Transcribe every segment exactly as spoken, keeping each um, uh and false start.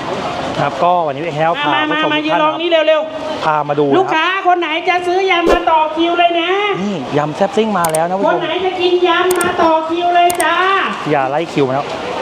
ครับก็วันนี้แฮลพามาผู้มาชมมาทุกยืนท่านรอครับนี้เร็วพามาดูๆลูกค้าคนไหนจะซื้อยำมาต่อคิวเลยนะนี่ยำแซ่บซิ่งมาแล้วนะผู้คชนมไหนจะกินยำมาต่อคิวเลยจ้าอย่าไล่คิวมาแล้ว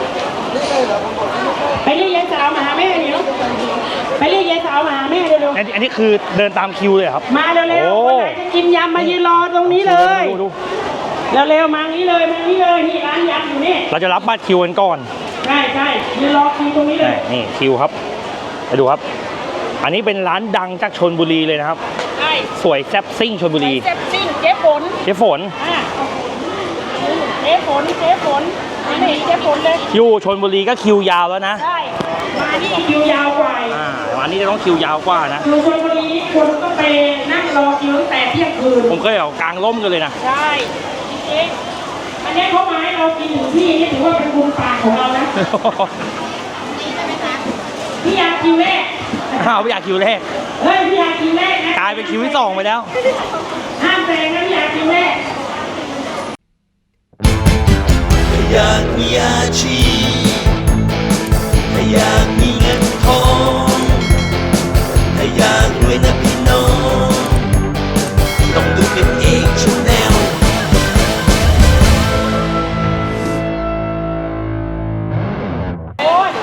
ไปเรียกยายสาวมาหาแม่เดี๋ยวไปเรียกยายสาวมาหาแม่เร็วอันนี้อันนี้คือเดินตามคิวเลยครับๆมาเร็วโอ้ๆคนไหนจะกินยำมายืนรอตรงนี้เลยดูดูเร็วๆมานี้เลยมานี้เลยนี่ร้านยำอยู่นี่เราจะรับบัตรคิวกันก่อนใช่ใช่ยืนรอคิวตรงนี้เลยนี่คิวครับไปดูครับ อันนี้เป็นร้านดังจากชลบุรีเลยนะครับใช่สวยแซ่บซิ่งชลบุรีเซ็บซิ่งเจ๊ฝนเจ๊ฝนอ่ะเจ๊ฝนเจ๊ฝนนี่เจ๊ฝนเลยอยู่ชลบุรีก็คิวยาวแล้วนะใช่มานี่คิวยาวกว่าอ่าวันนี้จะต้องคิวยาวกว่านะอยู่ชลบุรีนี่คนก็ไปนั่งรอคิวตั้งแต่เที่ยงคืนผมเคยเอากลางร่มกันเลยนะใช่จริงๆอันนี้เขามาให้เรากินถึงที่นี่ถือว่าเป็นบุญปากของเรานะพี่ยาคิวแรกอ้าวไม่อยากคิวแรกเฮ้ยพี่ยาคิวแรกนะกลายเป็นคิวที่สองไปแล้วห้ามแซงนะพี่ยาคิวแรกถ้าอยากมีอาชีพถ้าอยากมีเงินทองถ้าอยากรวยนะพี่น้องต้องดูเป็นเอกชแนลโอ้ย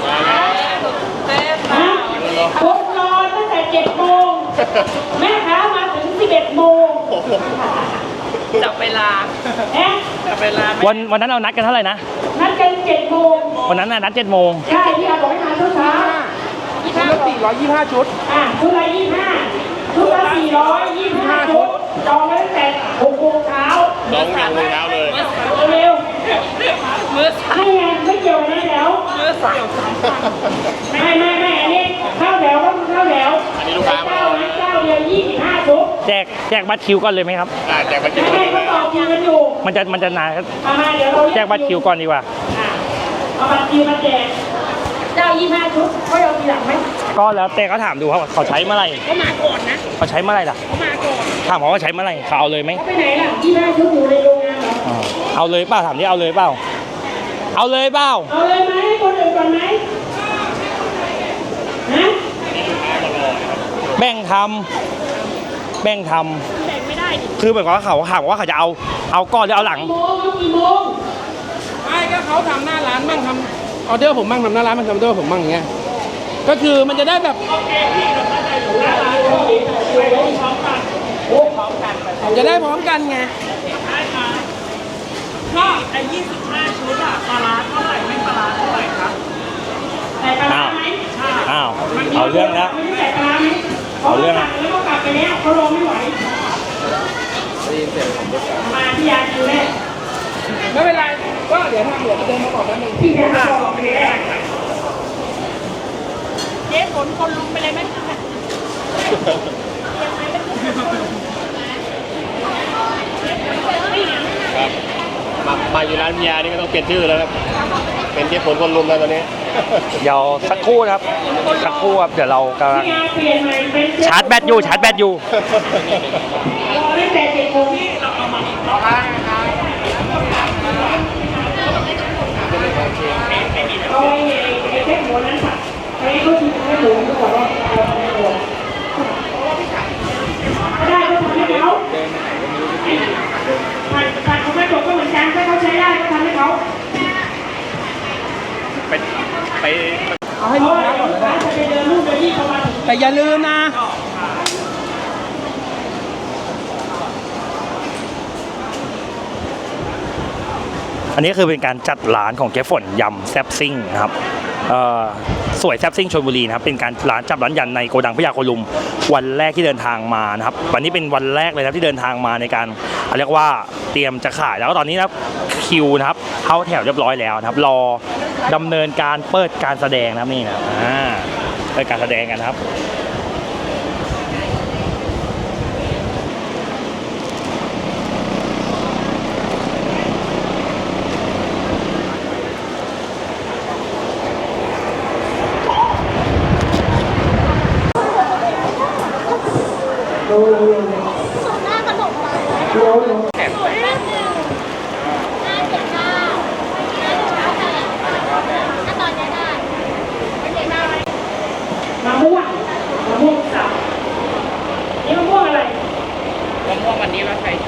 ผมรอตั้งแต่เจ็ดโมงแม่ค้ามาถึงสิบเอ็ดโมงจับเวลาเอ๊ะจับเวลาวันวันนั้นเรานัดกันเท่าไหร่นะนัดกันเจ็ดโมงวันนั้นน่ะนัดเจ็ดโมงใช่พี่อาบอกให้มาเช้าเช้ายี่ห้าสี่ร้อยยี่สิบห้าชุดอ่ะชุดละยี่ห้าชุดละสี่ร้อยยี่สิบห้าชุดจองไว้ตั้งแต่หกโมงเช้าน้องยังเลยเช้าเลยเร็วมือๆไม่ไงไม่เกี่ยวกันแล้วมือสั่งไม่ไม่ไม่อันนี้เข้าแถวต้องเข้าแถวอันนี้ลูกค้ามาเจ้านะเจ้าเดียวยี่สิบห้าชุดแจกแจกบัตรคิวก่อนเลยไหมครับอ่าแจกมากินไม่ให้เขาต่อคิวกันอยู่มันจะมันจะนานครับเอามาเดี๋ยวเราแจกบัตรคิวก่อนดีกว่าอ่ะเอาบัตรคิวมาแจกเจ้ายี่สิบห้าชุดเขาเอาทีหลังไหมก็แล้วแต่เขาถามดูครับเขาใช้เมื่อไหร่เขามาก่อนนะเขาใช้เมื่อไหร่ล่ะเขามาก่อนถามเขาว่าใช้เมื่อไหร่เขาเอาเลยไหมเขาไปไหนล่ะยี่สิบห้าชุดอยู่ในโรงงานเหรออ่าเอาเลยเปล่าถามที่เอาเลยเปล่าเอาเลยเปล่าเอาเลยไหมให้คนอื่นก่อนไหมฮะแบ่งทำแบ่งทำแบ่งไม่ได้ดิคือเหมือนกับว่าเขาถามว่าเขาจะเอาเอาก่อนหรือเอาหลังกี่โมงเอากี่โมงไม่ก็เขาทำหน้าร้านบ้างทำออเดอร์ผมบ้างทำหน้าร้านบ้างทำออเดอร์ผมบ้างอย่างเงี้ย ก็คือมันจะได้แบบจะได้พร้อมกันไงก็ไอ้ยี่สิบห้าชุดอะปลาร้าเท่าไหร่ไม่ปลาร้าเท่าไหร่ครับใส่ปลาร้าไหมอ้าวเอาเรื่องแล้วไม่ได้ใส่ปลาร้าไหมเอาเรื่องแล้แล้ววก็กลับไปแล้วเขาลงไม่ไหวมาที่ยาคิวแรกไม่เป็นไร ก็เดี๋ยวถ้าเดี๋ยวเดินมาบอกแป๊บนึงที่ยาบอกไปแล้วเจ๊ฝนคนลุมไปเลยไหมครับมามาอยู่ร้านพิยานี่ก็ต้องเปลี่ยนชื่อแล้วครับ เป็นเจ๊ฝนคนลุมแล้วตอนนี้เดี๋ยวสักครู่นะครับสักครู่ครับเดี๋ยวเรากำลังที่ยาเปลี่ยนใหม่เป็นเจ๊ชาร์จแบตอยู่ชาร์จแบตอยู่รอตั้งแต่เจ็ดโมงนี่เราเอามาเอาไอ้ไอ้แค่หัวนั้นค่ะไอ้เขาชิมแค่หมูเขาบอกว่าเอาแค่หัวก็ได้ก็ทำให้เขาผัดผัดเขาไม่จบก็เหมือนกันถ้าเขาใช้ได้ก็ทำให้เขาไปไปเอาให้ลูกค้าก่อนเลยจะไปเดินรูปไปที่เขามาแต่อย่าลืมนะอันนี้คือเป็นการจัดร้านของเจ๊ฝนยำแซ่บซิ่งนะครับเอ่อสวยแซ่บซิ่งชลบุรีนะครับเป็นการร้านจับร้านยันในโกดังพญาโคลุมวันแรกที่เดินทางมานะครับวันนี้เป็นวันแรกเลยนะครับที่เดินทางมาในการเรียกว่าเตรียมจะขายแล้วก็ตอนนี้นะครับคิวนะครับเข้าแถวเรียบร้อยแล้วนะครับรอดำเนินการเปิดการแสดงนะครับนี่นะครับอ่าเปิดการแสดงกันนะครับหน้าขนมปังแข็งไปห้าหนึ่งห้าเจ็ดเก้าห้าเจ็ดเก้าแปดถ้าตอนนี้ได้ไม่เจ็ดเก้าไหม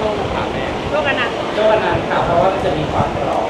ค่ะแม่โลกอนันต์โลกอนันต์ค่ะเพราะว่ามันจะมีความกรอบ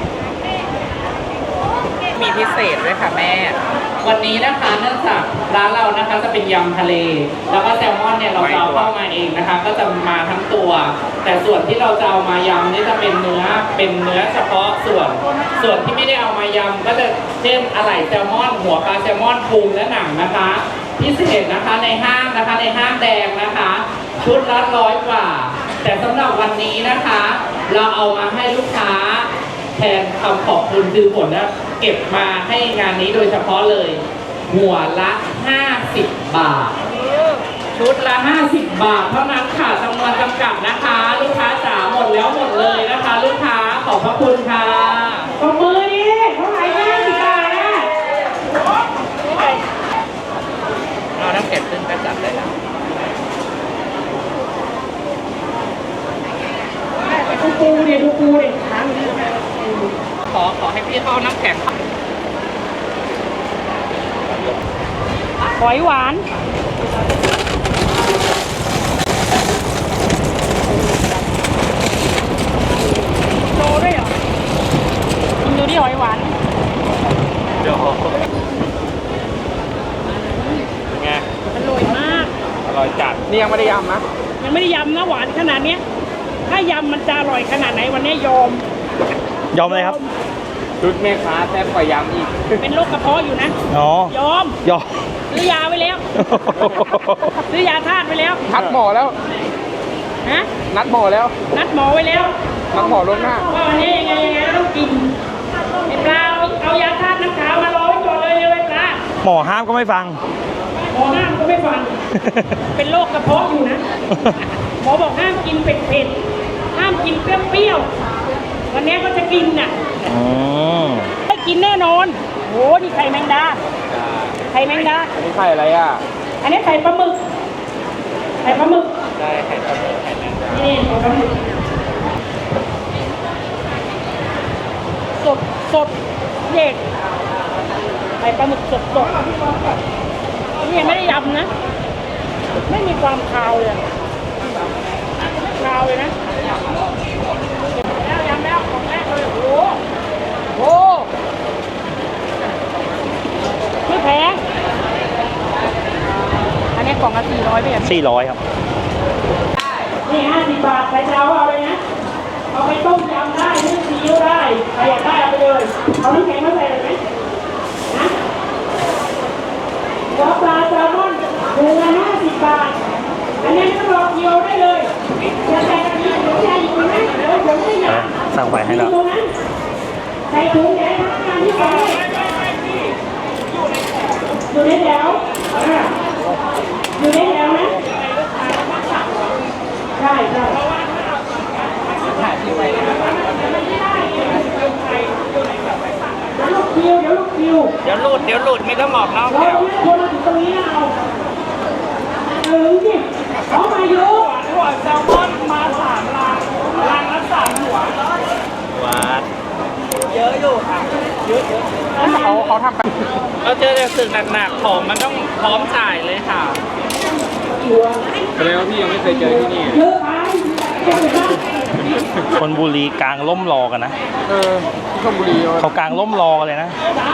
มีพิเศษด้วยค่ะแม่ วันนี้นะคะเนื่องจากร้านเรานะคะจะเป็นยำทะเล แล้วก็แซลมอนเนี่ยเราจะเอาเข้ามาเองนะคะ ก็จะมาทั้งตัว แต่ส่วนที่เราจะเอามายำนี่จะเป็นเนื้อเป็นเนื้อเฉพาะส่วน ส่วนที่ไม่ได้เอามายำก็จะเช่นอะไหล่แซลมอน หัวปลาแซลมอนพุงและหนังนะคะ พิเศษนะคะในห้างนะคะในห้างแดงนะคะ ชุดละร้อยกว่า แต่สำหรับวันนี้นะคะ เราเอามาให้ลูกค้า แทนคำขอบคุณคือผลนะเก็บมาให้งานนี้โดยเฉพาะเลย หัวละห้าสิบบาท ชุดละห้าสิบบาท เท่านั้นค่ะจำนวนจำกัดนะคะ ลูกค้าจ๋าหมดแล้วหมดเลยนะคะ ลูกค้าขอบพระคุณค่ะตบมือดิเท่าไหร่ห้าสิบบาทนะเราน้ำเก็บขึ้นกระจัดเลยนะดูปูดิดูปูดิค้างขอขอให้พี่เข้าน้ำแข็งหอยหวานโลด้วยเหรอกินดูดิหอยหวานเดี๋ยวไงอร่อยมากอร่อยจัดนี่ยังไม่ได้ยำนะยังไม่ได้ยำนะหวานขนาดเนี้ยถ้ายำมันจะอร่อยขนาดไหนวันนี้ยอมยอมเลยครับชุดแม่ค้าแซ่บกว่ายำอีกเป็นโรคกระเพาะอยู่นะอ๋อยอมยอมซื้อยาไว้แล้ว ซื้อยาธาตุไว้แล้วนัดหมอแล้วฮะนัดหมอแล้วนัดหมอไว้แล้วนัดหมอล่วงหน้าว่าวันนี้ยังไงยังไงก็ต้องกินไอ้ปลาเอาเอายาธาตุน้ำขาวมารอไว้ก่อนเลยเลยไอ้ปลาหมอห้ามก็ไม่ฟังหมอห้ามก็ไม่ฟัง เป็นโรคกระเพาะอยู่นะ หมอบอกห้ามกินเผ็ดๆ ห้ามกินเปรี้ยวๆ วันนี้ก็จะกินน่ะอืมได้กินแน่นอนโหนี่ไข่แมงดา ไข่แมงดาอันนี้ไข่อะไรอ่ะอันนี้ไข่ปลาหมึก ไข่ปลาหมึกได้ไข่ปลาหมึกไข่แมงดานี่ไข่ปลาหมึกสดสดเด็กไข่ปลาหมึกสดสดนี่ยังไม่ได้ยำนะ ไม่มีความคาวเลยไม่คาวเลยนะแล้วยำแล้วของแรกเลยโอ้โหโอ้โหไม่แพงอันนี้กล่องละสี่ร้อยไปอย่างสี่ร้อยครับนี่ห้าสิบบาทใครจะเอาเอาเลยนะ เอาไปต้มยำได้นึ่งซีอิ๊วได้ใครอยากได้เอาไปเลย เอาน้ำแข็งมาใส่เลยไหมนะหัวปลาแซลมอนถุงละห้าสิบบาท อันนี้ไม่ต้องรอเกี๊ยวได้เลยจะใส่กะทิหรือจะอีกไหมเดี๋ยวผมไม่อยากสั่งไปให้แล้วตรงนั้นใส่ถุงแดงทำงานที่ใส่อยู่ในแถวอ่าอยู่ในแถวนะใช่ใช่เดี๋ยวลูกคิวเดี๋ยวลูกคิวเดี๋ยวหลุด เดี๋ยวหลุด ไม่ต้องออกนอกเราแถวเนี่ยคนมาถึงตรงนี้นะเอาถึงสิเขามาเยอะหัวแซลมอนมาสามลังลังละสามหัวหวานเยอะอยู่ค่ะเยอะเยอะเขาเขาทำกันเราเจอแต่สึกหนักๆของมันต้องพร้อมจ่ายเลยค่ะแสดงว่าพี่ยังไม่เคยเจอที่นี่เยอะไปเยอะไปมากคนบุรีกลางล่มรอกันนะเออที่ชลบุรีเขากลางล่มรอกันเลยนะ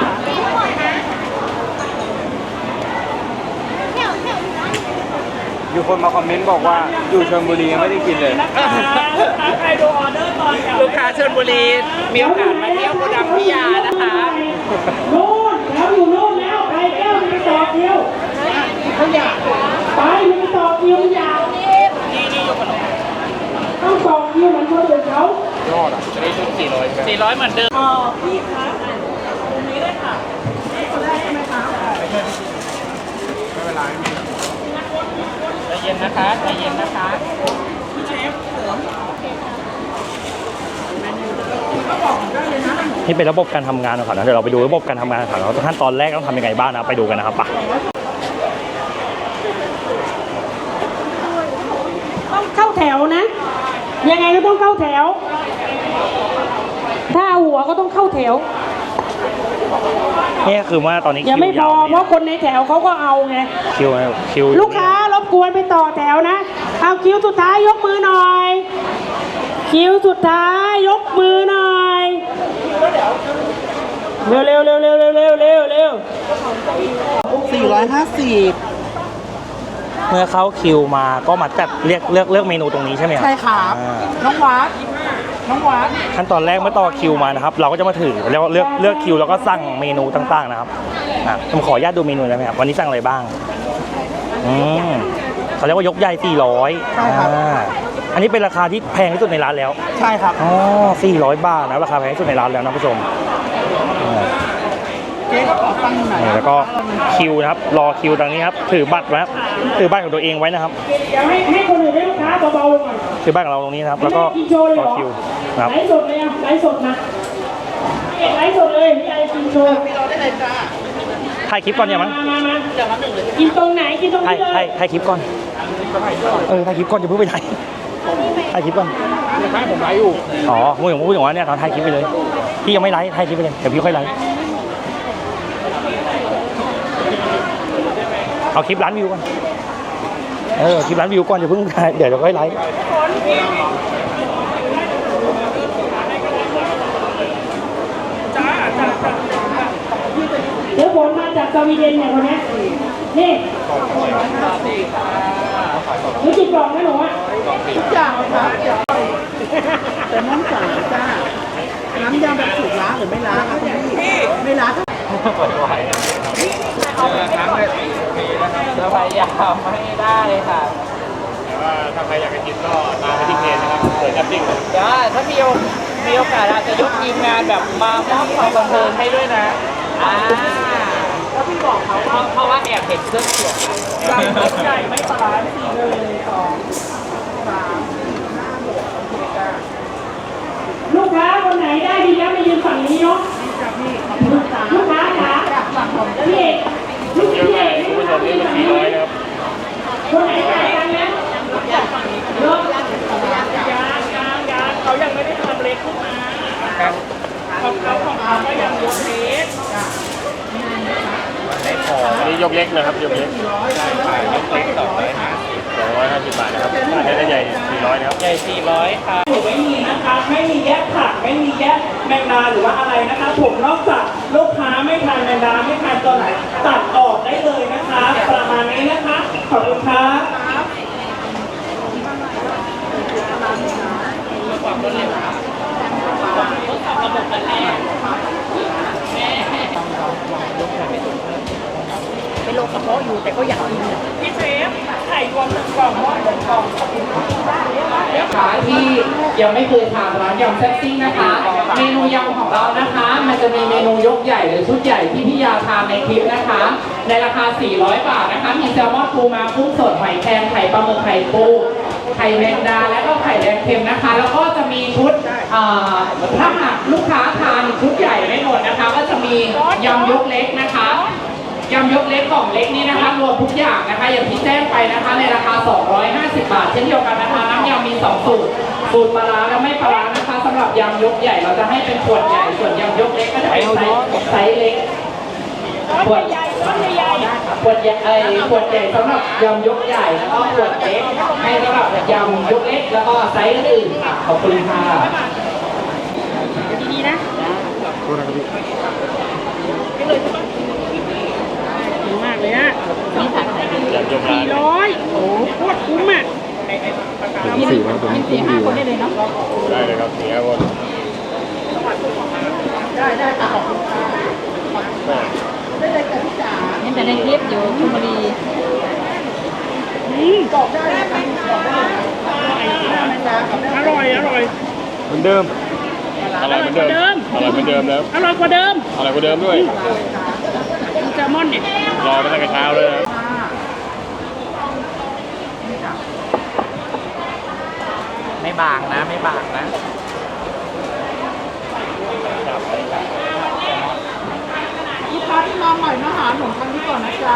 อยู่คนมาคอมเมนต์บอกว่าอยู่ชลบุรียังไม่ได้กินเลยใครดูออเดอร์ตอนลูกค้าชลบุรีมีโอกาสมาเที่ยวโกดังพิยานะคะนู่นแล้วอยู่นู่นแล้วใครแก้วไปต่อคิวเขาอยากไปมันไปต่อคิวอยากนี่นี่อยู่ขนมต้องต่อคิวเหมือนคนอื่นเขายอดอ่ะจะได้ชุดสี่ร้อยสี่ร้อยเหมือนเดิมอ๋อพี่คะตรงนี้เลยค่ะนี่คนแรกใช่ไหมคะไม่เป็นไรไม่มีใจเย็นนะคะใจเย็นนะคะพี่เชฟนี่เป็นระบบการทำงานของเขานะเดี๋ยวเราไปดูระบบการทำงานของเขาขั้นตอนแรกต้องทำยังไงบ้างนะไปดูกันนะครับไปต้องเข้าแถวนะ ยังไงก็ต้องเข้าแถว ถ้าเอาหัวก็ต้องเข้าแถวนี่คือว่าตอนนี้ยังไม่พอเพราะคนในแถวเขาก็เอาไงคิวคิวลูกค้ารบกวนไปต่อแถวนะ เอาคิวสุดท้ายยกมือหน่อยคิวสุดท้ายยกมือหน่อย เร็วเร็วเร็วเร็วเร็วเร็วเร็วเร็วสี่ร้อยห้าสิบเมื่อเข้าคิวมาก็มาจัดเรียกเลือกเลือกเมนูตรงนี้ใช่ไหมครับใช่ครับอ่าน้องวัด น้องวัดขั้นตอนแรกเมื่อต่อคิวมานะครับ เราก็จะมาถือเรียกว่าเลือกเลือกคิวแล้วก็สั่งเมนูต่างๆนะครับอ่ะผมขออนุญาตดูเมนูได้ไหมครับวันนี้สั่งอะไรบ้างอืมเขาเรียกว่ายกใหญ่สี่ร้อยใช่ครับอ่าอันนี้เป็นราคาที่แพงที่สุดในร้านแล้วใช่ครับอ๋อสี่ร้อยบาทนะราคาแพงที่สุดในร้านแล้วนะผู้ชมอ่าเจ๊ก็ขอฟังหน่อยนี่แล้วก็คิวนะครับรอคิวตรงนี้ครับถือบัตรไว้ครับถือบัตรของตัวเองไว้นะครับเดี๋ยวให้ให้คนอื่นให้ลูกค้าเบาๆลงหน่อยถือบัตรของเราตรงนี้นะครับ แล้วก็กินโชว์เลยรเหอรอคิวนะครับไลฟ์สดเลยอ่ะไลฟ์สดนะเอกไลฟ์สดเลยพี่ไอกินโชว์ถ่ายคลิปก่อนเนี่ยมั้งมามามากินตรงไหนกินตรงถ่ายนี้เลยถ่ายถ่ายคลิปก่อนเออถ่ายคลิปก่อนอย่าเพิ่งไปถ่ายถ่ายคลิปก่อนไม่ผมไลฟ์อยู่อ๋อพูดถึงพูดถึงว่าเนี่ยเราถ่ายคลิปไปเลยพี่ยังไม่ไลฟ์ถ่ายคลิปไปเลยเดี๋ยวพี่ค่อยไลฟ์เอาคลิปล้านวิวก่อนเออคลิปล้านวิวก่อนอย่าเพิ่งถ่ายเดี๋ยวเราค่อยไลฟ์เดี๋ยวฝนมาจากสวีเดนเนี่ยคนเนี้ยนี่รู้จิตกล่องไหมหนูอ่ะทุกอย่างครับแต่น้องจ๋าจ้า น้ำยำแบบสูตรล้างหรือไม่ล้างครับพี่ไม่ล้างเราพยายามไม่ได้ค่ะว่าถ้าใครอยากจะกินก็ตามไปที่เพจนะครับเปิดแอปปิ้งเดี๋ยวถ้ามีโอมีโอกาสอาจจะยกทีมงานแบบมามอบความบันเทิงให้ด้วยนะอ่าแล้วพี่บอกเขาเพราะเพราะว่าแอบเห็นเครื่องเสียงสั่งรถใหญ่ไม่ปลาร้าสี่หนึ่งสองสามลูกค้าคนไหนได้ดีแล้วมายืนฝั่งนี้เนาะลูกค้าจ๋าพี่เอกลูกพี่เอกคุณผู้ชมนี่เป็นสี่ร้อยนะครับคนไหนจ่ายตังค์นะเลิกยางยางยางเขายังไม่ได้ทำเล็กขึ้นมาของเขาของเขาก็ยังยกเล็กอันนี้ยกเล็กนะครับยกเล็กขายยกเล็กสองร้อยห้าสิบสองร้อยห้าสิบบาทนะครับอันนี้ใหญ่สี่ร้อยนะครับใหญ่สี่ร้อยค่ะไม่มีนะคะไม่มีแยกผักไม่มีแยกแมงดาหรือว่าอะไรนะคะผมนอกจากลูกค้าไม่ทานแมงดาไม่ทานตัวไหนตัดออกได้เลยนะคะ ประมาณนี้นะคะขอบคุณครับเป็นโรคกระเพาะอยู่แต่ก็อยากกินพี่เชฟไข่รวมหนึ่งกล่องหม้อหนึ่งกล่องขอบคุณครับลูกค้าที่ยังไม่เคยทานร้านยำแซ่บซิ่งนะคะ เมนูยำของเรานะคะ มันจะมีเมนูยกใหญ่หรือชุดใหญ่ที่พี่ยาทานในคลิปนะคะ ในราคาสี่ร้อยบาทนะคะ มีแซลมอนปูม้ากุ้งสดหอยแครงไข่ปลาหมึกไข่ปูไข่แมงดาและก็ไข่แดงเค็มนะคะ แล้วก็จะมีชุดเอ่อถ้าหากลูกค้าทานชุดใหญ่ไม่หมดนะคะ ก็จะมียำยกเล็กนะคะยำยกเล็กกล่องเล็กนี้นะคะรวมทุกอย่างนะคะอย่างที่แจ้งไปนะคะ ในราคา สองร้อยห้าสิบบาท เช่นเดียวกันนะคะน้ำยำมีสองสูตรสูตรปลาร้าและไม่ปลาร้านะคะสำหรับยำยกใหญ่เราจะให้เป็นขวดใหญ่ส่วนยำยกเล็กก็จะเป็นไซส์ไซส์เล็กขวดใหญ่ขวดใหญ่เอ้ยขวดใหญ่สำหรับยำยกใหญ่แล้วก็ขวดเล็กให้สำหรับยำยกเล็กแล้วก็ไซส์อื่นๆค่ะขอบคุณค่ะดีๆนะดีมากเลยนะสี่ร้อยโอ้โคตรคุ้มอ่ะสี่วันผมสี่ห้าคนได้เลยเนาะได้เลยครับสี่ห้าคนได้ได้ค่ะขอบคุณค่ะได้เลยค่ะพี่จ๋าเห็นแต่ในคลิปอยู่ชลบุรีอืมบอกได้เลยค่ะบอกได้เลยค่ะแมงดากับอร่อยอร่อยเหมือนเดิมอร่อยเหมือนเดิมอร่อยเหมือนเดิมแล้วอร่อยกว่าเดิมอร่อยกว่าเดิมด้วยดูแซลมอนเนี่ยรอมาตั้งแต่เช้าเลยนะไม่บางนะไม่บางนะลูกค้าที่มาใหม่มาหาหนูครั้งนี้ก่อนนะจ๊ะ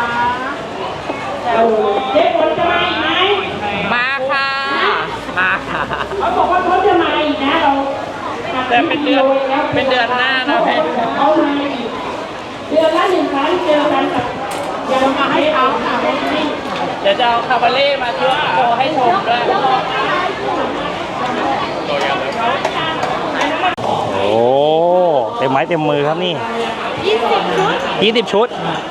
เจ๊ฝนจะมาอีกไหมมาค่ะ มาค่ะเขาบอกว่าเขาจะมาอีกนะเราแต่เป็นเดือนเป็นเดือนหน้านะแม่เขามาอีกเดือนละหนึ่งครั้งเจอกันกับยังมาให้เขาค่ะเดี๋ยวจะเอาคาบาเล่มาช่วยโชว์ให้ชมด้วยโอ้เต็มไม้เต็มมือครับนี่ยี่สิบชุดยี่สิบชุด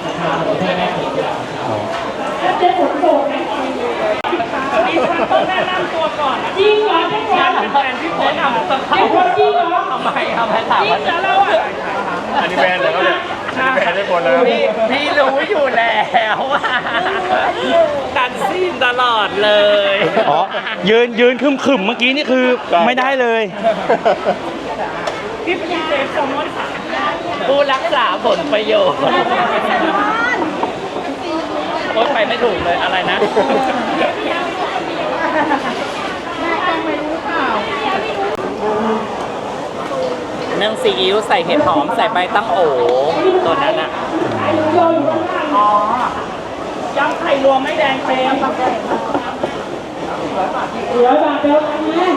จริงเหรอเจ๊ฝนแฟนพี่ฝนทำเจ๊ฝนจริงเหรอทำไมทำไมถามว่าจริงเหรอเราอ่ะอันนี้แบรนด์เลยเขาเนี่ยอันนี้แบรนด์ได้หมดแล้วพี่พี่รู้อยู่แล้วว่าตัดซีนตลอดเลยอ๋อ ยืนยืนคึมขึมๆเมื่อกี้นี่คือไม่ได้เลยพี่เป็นเซฟสองร้อยสามผู้รักษาผลประโยชน์โอ๊ยไปไม่ถูกเลยอะไรนะนึ่งซีอิ๊วใส่เห็ดหอมใส่ใบตั้งโอตัวนั้นอ่ะอ๋อยำไข่รวมไม่แดงเฟรมเหลือบาทเดียวกันนะ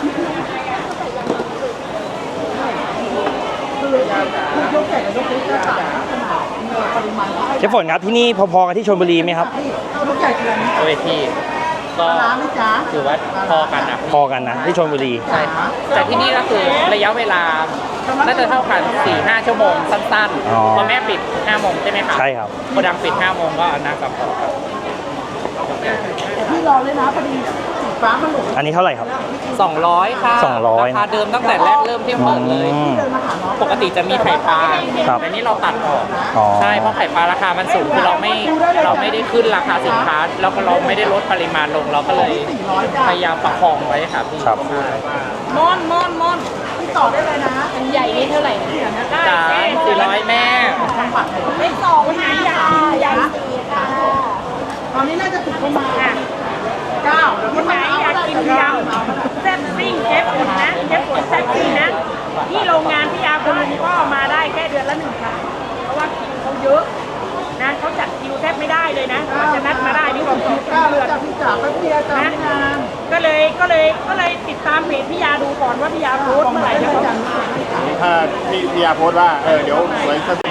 เจ๊ฝนครับที่นี่พอๆกับที่ชลบุรีไหมครับลูกใหญ่ขนาดนี้เวทีก็ร้านไหมจ๊ะถือว่าพอกันนะพอกันนะที่ชลบุรีใช่ครับแต่ที่นี่ก็คือระยะเวลาน่าจะเท่ากัน สี่ห้า ชั่วโมงสั้นอ๋อๆเพราะแม่ปิดห้าโมงใช่ไหมครับใช่ครับโกดังปิดห้าโมงก็น่ากับพอครับพี่รอเลยนะพอดีสีฟ้ามันหลุดอันนี้เท่าไหร่ครับสองร้อยค่ะสองร้อยราคาเดิมตั้งแต่แรกเริ่มที่เปิดเลยอืมปกติจะมีไข่ปลาครับแต่นี่เราตัดออกอ๋อใช่เพราะไข่ปลาราคามันสูงคือเราไม่เราไม่ได้ขึ้นราคาสินค้าแล้วก็เราไม่ได้ลดปริมาณลงเราก็เลยพยายามประคองไว้ค่ะพี่ครับใช่มอนมอนมอนพี่ต่อได้เลยนะอันใหญ่นี่เท่าไหร่นะจานสี่ร้อยแม่ไม่สองนะใหญ่ใหญ่สี่ค่ะตอนนี้น่าจะถูกประมาณเก้าเดี๋ยวคพี่นไหนมาเอาอยากได้กินยำแซ่บซิ่งเชฟฝนนะเชฟฝนแซ่บซิ่งนะที่โรงงานพี่ยาคนลุงก็มาได้แค่เดือนละหนึ่งครั้งเพราะว่าคิวเขาเยอะนะเขาจัดคิวแทบไม่ได้เลยนะกว่าจะนัดมาได้นี่บอกสองเก้าเดือนจากพี่จ๋าไปพี่จ๋าไม่นานก็เลยก็เลยก็เลยติดตามเพจพี่ยาดูก่อนว่าพี่ยาโพสต์เมื่อไหร่จะเขาถ้าพี่พี่ยาโพสต์ว่า เออ เดี๋ยวไว้สัก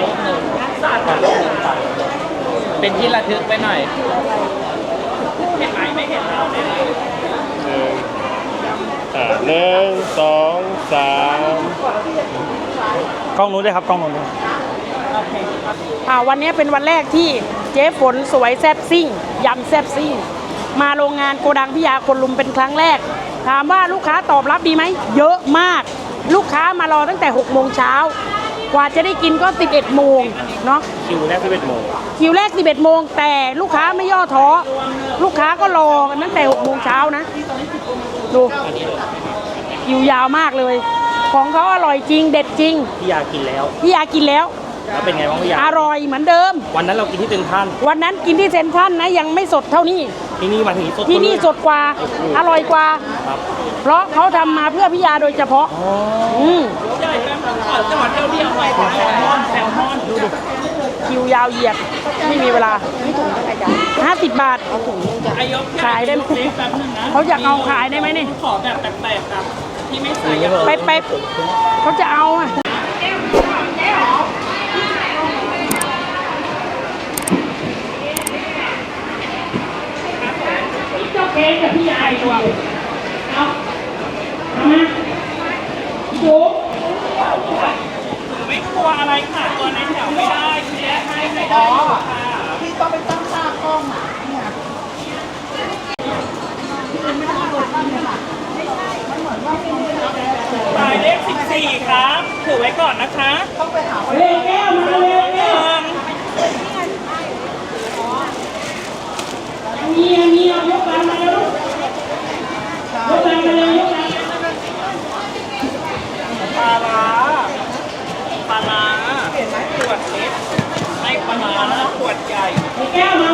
เป็นที่ระทึกไปหน่อยเห็นไหมไม่เห็นเราเนี่ยหนึ่งอ่าหนึ่งสองสามกล้องนู้นด้วยครับกล้องนู้นด้วยอ่าวันนี้เป็นวันแรกที่เจ๊ฝนสวยแซ่บซิ่งยำแซ่บซิ่งมาโรงงานโกดังพี่ยาคนลุมเป็นครั้งแรก ถามว่าลูกค้าตอบรับดีไหมเยอะมาก ลูกค้ามารอตั้งแต่หกโมงเช้ากว่าจะได้กินก็สิบเอ็ดโมงเนาะคิวแรกที่เป็นโมงคิวแรกสิบเอ็ดโมงแต่ลูกค้าไม่ย่อท้อลูกค้าก็รอกันตั้งแต่หกโมงเช้านะดูคิวยาวมากเลย ของเขาอร่อยจริงเด็ดจริงพี่ยากินแล้วพี่ยากินแล้วแล้วเป็นไงบ้างพี่ยาอร่อยเหมือนเดิมวันนั้นเรากินที่เซ็นทรัลวันนั้นกินที่เซ็นทรัลนะยังไม่สดเท่านี้ที่นี่มาถึงสดที่นี่สดกว่าอร่อยกว่าครับเพราะเขาทำมาเพื่อพี่ยาโดยเฉพาะอ๋ออืมจังหวัดเที่ยวเที่ยวหน่อยแซลมอนแซลมอนดูดิคิวยาวเหยียดไม่มีเวลาห้าสิบบาทขายได้ไหมเขาอยากเอาขายได้ไหมนี่ขอแบบแปลกๆครับที่ไม่ใส่ไปไปเขาจะเอาอ่ะเจ้าเค้กกับพี่ยายตัวเอาเอามาดูไม่กลัวอะไรค่ะตัวในแถวไม่ได้เสียให้ไม่ได้ค่ะพี่ต้องไปตั้งค่ากล้องอ่ะเนี่ยหมายเลขสิบสี่ครับถือไว้ก่อนนะคะต้องไปหาเลขแก้วมาเลยแก้วมีอันนี้เอายกลังมาเลยยกลังมาเลยยกลังปลาร้าปลาร้าขวดเล็กให้ปลาร้าขวดใหญ่แก้วมา